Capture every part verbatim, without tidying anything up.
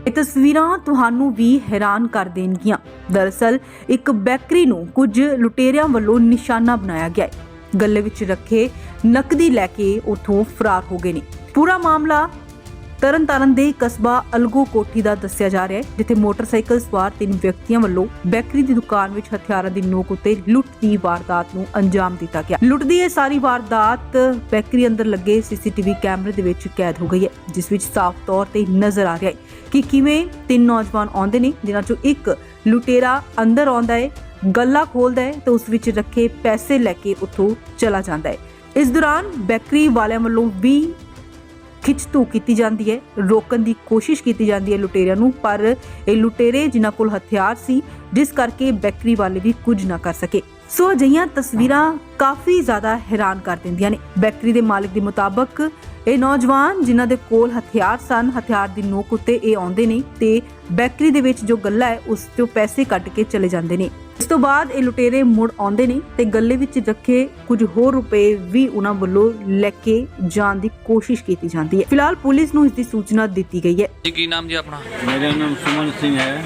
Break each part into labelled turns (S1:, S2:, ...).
S1: ਇਹ ਤਸਵੀਰਾਂ ਤੁਹਾਨੂੰ ਵੀ ਹੈਰਾਨ ਕਰ ਦੇਣਗੀਆਂ। ਦਰਅਸਲ ਇੱਕ ਬੇਕਰੀ ਨੂੰ ਕੁਝ ਲੁਟੇਰਿਆਂ ਵੱਲੋਂ ਨਿਸ਼ਾਨਾ ਬਣਾਇਆ ਗਿਆ ਹੈ। ਗੱਲੇ ਵਿੱਚ ਰੱਖੇ ਨਕਦੀ ਲੈ ਕੇ ਉੱਥੋਂ ਫਰਾਰ ਹੋ ਗਏ ਨੇ। ਪੂਰਾ ਮਾਮਲਾ ਤਰਨਤਾਰਨ ਦੇ ਕਸਬਾ ਅਲਗੋ ਕੋਠੀ ਦਾ ਦੱਸਿਆ ਜਾ ਰਿਹਾ ਹੈ, ਜਿੱਥੇ ਮੋਟਰਸਾਈਕਲ ਸਵਾਰ ਤਿੰਨ ਵਿਅਕਤੀਆਂ ਵੱਲੋਂ ਬੇਕਰੀ ਦੀ ਦੁਕਾਨ ਵਿੱਚ ਹਥਿਆਰਾਂ ਦੀ ਨੋਕ ਉੱਤੇ ਲੁੱਟ ਦੀ ਵਾਰਦਾਤ ਨੂੰ ਅੰਜਾਮ ਦਿੱਤਾ ਗਿਆ। ਲੁੱਟ ਦੀ ਇਹ ਸਾਰੀ ਵਾਰਦਾਤ ਬੇਕਰੀ ਅੰਦਰ ਲੱਗੇ ਸੀਸੀਟੀਵੀ ਕੈਮਰੇ ਦੇ ਵਿੱਚ ਕੈਦ ਹੋ ਗਈ ਹੈ, ਜਿਸ ਵਿੱਚ ਸਾਫ਼ ਤੌਰ ਤੇ ਨਜ਼ਰ ਆ ਰਿਹਾ ਹੈ ਕਿ ਕਿਵੇਂ ਤਿੰਨ ਨੌਜਵਾਨ ਆਉਂਦੇ ਨੇ, ਜਿਨ੍ਹਾਂ ਚੋਂ ਇੱਕ ਲੁਟੇਰਾ ਅੰਦਰ ਆਉਂਦਾ ਹੈ, ਗੱਲਾ ਖੋਲਦਾ ਹੈ ਤੇ ਉਸ ਵਿੱਚ ਰੱਖੇ ਪੈਸੇ ਲੈ ਕੇ ਉੱਥੋਂ ਚਲਾ ਜਾਂਦਾ ਹੈ। ਇਸ ਦੌਰਾਨ ਬੇਕਰੀ ਵਾਲਿਆਂ ਵੱਲੋਂ ਵੀ ਖਿੱਚਤੂ ਕੀਤੀ ਜਾਂਦੀ ਹੈ, ਰੋਕਣ ਦੀ ਕੋਸ਼ਿਸ਼ ਕੀਤੀ ਜਾਂਦੀ ਹੈ ਲੁਟੇਰਿਆਂ ਨੂੰ, ਪਰ ਇਹ ਲੁਟੇਰੇ ਜਿਨ੍ਹਾਂ ਕੋਲ ਹਥਿਆਰ ਸੀ, ਜਿਸ ਕਰਕੇ ਬੇਕਰੀ ਵਾਲੇ ਵੀ ਕੁਝ ਨਾ ਕਰ ਸਕੇ। ਸੋ ਅਜਿਹੀਆਂ ਤਸਵੀਰਾਂ ਕਾਫੀ ਜ਼ਿਆਦਾ ਹੈਰਾਨ ਕਰ ਦਿੰਦੀਆਂ ਨੇ। ਬੇਕਰੀ ਦੇ ਮਾਲਕ ਦੇ ਮੁਤਾਬਕ ਇਹ ਨੌਜਵਾਨ ਜਿਨ੍ਹਾਂ ਦੇ ਕੋਲ ਹਥਿਆਰ ਸਨ, ਹਥਿਆਰ ਦੀ ਨੋਕ ਉੱਤੇ ਇਹ ਆਉਂਦੇ ਨੇ ਤੇ ਬੇਕਰੀ ਦੇ ਵਿੱਚ ਜੋ ਗੱਲਾ ਹੈ ਉਸ ਤੋਂ ਪੈਸੇ ਕੱਢ ਕੇ ਚਲੇ ਜਾਂਦੇ ਨੇ। ਇਸ ਤੋਂ ਬਾਅਦ ਇਹ ਲੁਟੇਰੇ ਮੁੜ ਆਉਂਦੇ ਨੇ ਤੇ ਗੱਲੇ ਵਿੱਚ ਰੱਖੇ ਕੁਝ ਹੋਰ ਰੁਪਏ ਵੀ ਉਹਨਾਂ ਵੱਲੋਂ ਲੈ ਕੇ ਜਾਣ ਦੀ ਕੋਸ਼ਿਸ਼ ਕੀਤੀ ਜਾਂਦੀ ਹੈ। ਫਿਲਹਾਲ ਪੁਲਿਸ ਨੂੰ ਇਸ ਦੀ ਸੂਚਨਾ ਦਿੱਤੀ ਗਈ ਹੈ।
S2: ਜੀ ਕੀ ਨਾਮ ਜੀ ਆਪਣਾ?
S3: ਮੇਰਾ ਨਾਮ ਸੁਮਨ ਸਿੰਘ ਹੈ।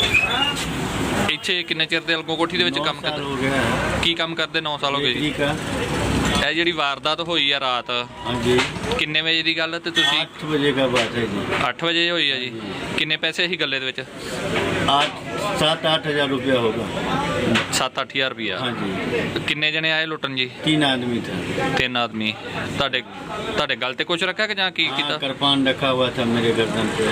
S2: ਇੱਥੇ ਕਿੰਨੇ ਚਿਰ ਦੇ ਅਲਗੋ ਕੋਠੀ ਦੇ ਵਿੱਚ ਕੰਮ
S3: ਸਾਲ
S2: ਕਰਦੇ?
S3: ਹੋ ਗਿਆ ਹੈ।
S2: ਕੀ ਕੰਮ ਕਰਦੇ? ਨੌ ਸਾਲ ਹੋ ਗਏ ਜੀ।
S3: ਠੀਕ ਹੈ।
S2: ਇਹ ਜਿਹੜੀ ਵਾਰਦਾਤ ਹੋਈ ਆ ਰਾਤ,
S3: ਹਾਂਜੀ
S2: ਕਿੰਨੇ ਵਜੇ ਦੀ ਗੱਲ ਤੇ ਤੁਸੀਂ?
S3: आठ बजे का बात है जी।
S2: ਅੱਠ ਵਜੇ ਹੋਈ ਆ ਜੀ। ਕਿੰਨੇ ਪੈਸੇ ਸੀ ਗੱਲੇ ਦੇ ਵਿੱਚ?
S3: आठ सात आठ हजार रुपया होगा।
S2: ਸੱਤ ਅੱਠ ਹਜ਼ਾਰ ਰੁਪਇਆ।
S3: हाँ जी।
S2: ਕਿੰਨੇ ਜਣੇ ਆਏ ਲੁੱਟਣ ਜੀ?
S3: तीन आदमी था।
S2: ਤਿੰਨ ਆਦਮੀ। ਤੁਹਾਡੇ ਤੁਹਾਡੇ ਗਲ ਤੇ ਕੁਝ ਰੱਖਿਆ ਕਿ ਜਾਂ ਕੀ
S3: हाँ,
S2: ਕੀਤਾ?
S3: कृपान रखा हुआ था मेरे गर्दन पे।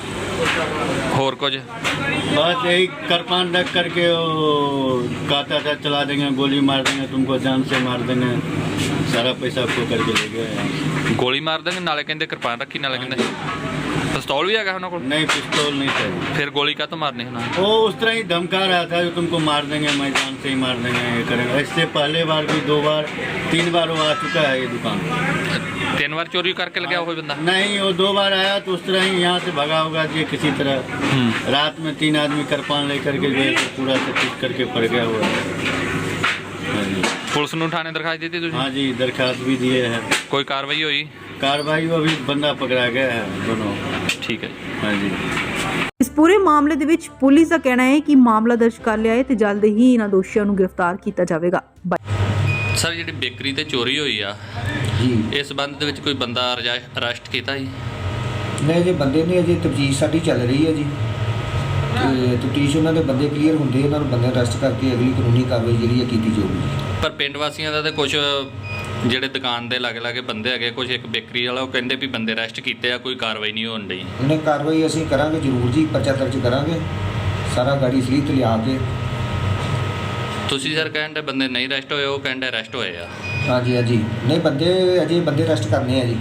S2: ਹੋਰ ਕੁਝ?
S3: बस यही कृपान रख करके वो कहता था चला देंगे, गोली मार देंगे, तुमको जान से मार देंगे, सारा पैसा खो करके ले गया।
S2: ਗੋਲੀ ਮਾਰ ਦੇਣਗੇ, ਨਾਲੇ ਕਹਿੰਦੇ ਕਿਰਪਾਨ ਰੱਖੀ, ਨਾਲੇ ਕਹਿੰਦੇ ਪਿਸਤੌਲ ਵੀ ਹੈਗਾ ਉਹਨਾਂ ਕੋਲ।
S3: नहीं पिस्तौल नहीं था।
S2: ਫਿਰ ਗੋਲੀ ਕਾਹਤੋਂ ਮਾਰਨੀ ਉਹਨਾਂ ਨੇ?
S3: वो उस तरह ही धमका रहा था जो तुमको मार देंगे, मैं जान से ही मार देंगे, ये करेंगे। इससे पहले बार भी दो बार तीन बार वो आ चुका है ये दुकान।
S2: ਤਿੰਨ ਵਾਰ ਚੋਰੀ ਕਰਕੇ ਲਗਿਆ ਹੋਇਆ ਬੰਦਾ?
S3: नहीं, वो दो बार आया तो उस तरह ही यहाँ से भगा होगा जी किसी तरह। रात में तीन आदमी कृपान लेकर के जो है तो पूरा से पीट करके पड़ गया हुआ है। हाँ जी।
S2: ਪੁਲਿਸ ਨੂੰ ਥਾਣੇ ਦਰਖਾਸਤ ਦਿੱਤੀ ਤੁਸੀਂ?
S3: हाँ जी, दरखास्त भी दिए हैं।
S2: ਕੋਈ ਕਾਰਵਾਈ ਹੋਈ?
S3: कार्रवाई वो अभी बंदा पकड़ा गया है दोनों।
S2: ਠੀਕ ਹੈ।
S3: हाँ जी।
S1: ਇਸ ਪੂਰੇ ਮਾਮਲੇ ਦੇ ਵਿੱਚ ਪੁਲਿਸ ਦਾ ਕਹਿਣਾ ਹੈ ਕਿ ਮਾਮਲਾ ਦਰਜ ਕਰ ਲਿਆ ਹੈ ਤੇ ਜਲਦ ਹੀ ਇਹਨਾਂ ਦੋਸ਼ੀਆਂ ਨੂੰ ਗ੍ਰਿਫਤਾਰ ਕੀਤਾ ਜਾਵੇਗਾ।
S2: ਸਰ ਜਿਹੜੀ ਬੇਕਰੀ ਤੇ ਚੋਰੀ ਹੋਈ ਆ
S4: ਜੀ
S2: ਇਸ ਸੰਬੰਧ ਦੇ ਵਿੱਚ ਕੋਈ ਬੰਦਾ ਅਰੈਸਟ ਕੀਤਾ ਜੀ?
S4: ਨਹੀਂ ਜੇ ਬੰਦੇ ਨੇ ਅਜੇ ਤਫਤੀਸ਼ ਸਾਡੀ ਚੱਲ ਰਹੀ ਹੈ ਜੀ, ਤੇ ਤਫਤੀਸ਼ ਉਹਨਾਂ ਦੇ ਬੰਦੇ ਕਲੀਅਰ ਹੁੰਦੇ ਉਹਨਾਂ ਨੂੰ ਬੰਦੇ ਅਰੈਸਟ ਕਰਕੇ ਅਗਲੀ ਕਾਨੂੰਨੀ ਕਾਰਵਾਈ ਜਿਹੜੀ ਹੈ ਕੀਤੀ ਜਾਊਗੀ।
S2: ਪਰ ਪਿੰਡ ਵਾਸੀਆਂ ਦਾ ਤੇ ਕੁਝ ਜਿਹੜੇ ਦੁਕਾਨ ਦੇ ਲਾਗੇ ਲਾਗੇ ਬੰਦੇ ਹੈਗੇ, ਕੁਝ ਇੱਕ ਬੇਕਰੀ ਵਾਲਾ, ਉਹ ਕਹਿੰਦੇ ਵੀ ਬੰਦੇ ਅਰੈਸਟ ਕੀਤੇ ਆ, ਕੋਈ ਕਾਰਵਾਈ ਨਹੀਂ ਹੋਣ ਡਈ।
S4: ਉਹਨੇ ਕਾਰਵਾਈ ਅਸੀਂ ਕਰਾਂਗੇ ਜ਼ਰੂਰ ਜੀ, ਪਰਚਾ ਦਰਜ ਕਰਾਂਗੇ, ਸਾਰਾ ਗਾੜੀ ਸਲੀਤ ਲਿਆ ਕੇ।
S2: ਤੁਸੀਂ ਸਰ ਕਹਿੰਦੇ ਬੰਦੇ ਨਹੀਂ ਅਰੈਸਟ ਹੋਏ, ਉਹ ਕਹਿੰਦੇ ਅਰੈਸਟ ਹੋਏ ਆ।
S4: ਹਾਂਜੀ ਹਾਂਜੀ ਨਹੀਂ ਬੰਦੇ ਅਜੇ ਬੰਦੇ ਅਰੈਸਟ ਕਰਨੇ ਆ ਜੀ।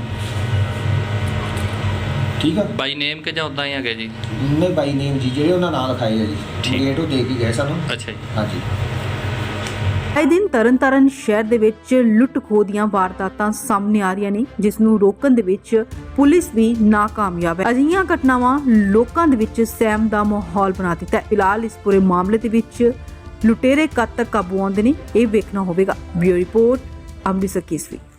S4: ਠੀਕ ਆ
S2: ਬਾਈ ਨੇਮ ਕਿ ਜਾਂ ਉਦਾਂ ਹੀ ਹੈਗੇ ਜੀ?
S4: ਨਹੀਂ ਬਾਈ ਨੇਮ ਜੀ, ਜਿਹੜੇ ਉਹਨਾਂ ਨਾਂ ਲਿਖਾਏ ਆ ਜੀ,
S2: ਠੀਕ।
S4: ਗੇਟ ਉਹ ਦੇ ਕੇ ਗਏ ਸਾਨੂੰ।
S2: ਅੱਛਾ ਜੀ।
S4: ਹਾਂਜੀ।
S1: ਆਏ ਦਿਨ ਤਰਨਤਾਰਨ ਸ਼ਹਿਰ ਦੇ ਵਿੱਚ ਲੁੱਟ ਖੋਹ ਦੀਆਂ ਵਾਰਦਾਤਾਂ ਸਾਹਮਣੇ ਆ ਰਹੀਆਂ ਨੇ, ਜਿਸ ਨੂੰ ਰੋਕਣ ਦੇ ਵਿੱਚ ਪੁਲਿਸ ਵੀ ਨਾਕਾਮਯਾਬ ਹੈ। ਅਜਿਹੀਆਂ ਘਟਨਾਵਾਂ ਲੋਕਾਂ ਦੇ ਵਿੱਚ ਸਹਿਮ ਦਾ ਮਾਹੌਲ ਬਣਾ ਦਿੱਤਾ ਹੈ। ਫਿਲਹਾਲ ਇਸ ਪੂਰੇ ਮਾਮਲੇ ਦੇ ਵਿੱਚ ਲੁਟੇਰੇ ਕਦ ਤੱਕ ਕਾਬੂ ਆਉਂਦੇ ਨੇ, ਇਹ ਵੇਖਣਾ ਹੋਵੇਗਾ। ਬਿਊਰੋ ਰਿਪੋਰਟ, ਅੰਮ੍ਰਿਤਸਰ ਕੇਸਰੀ।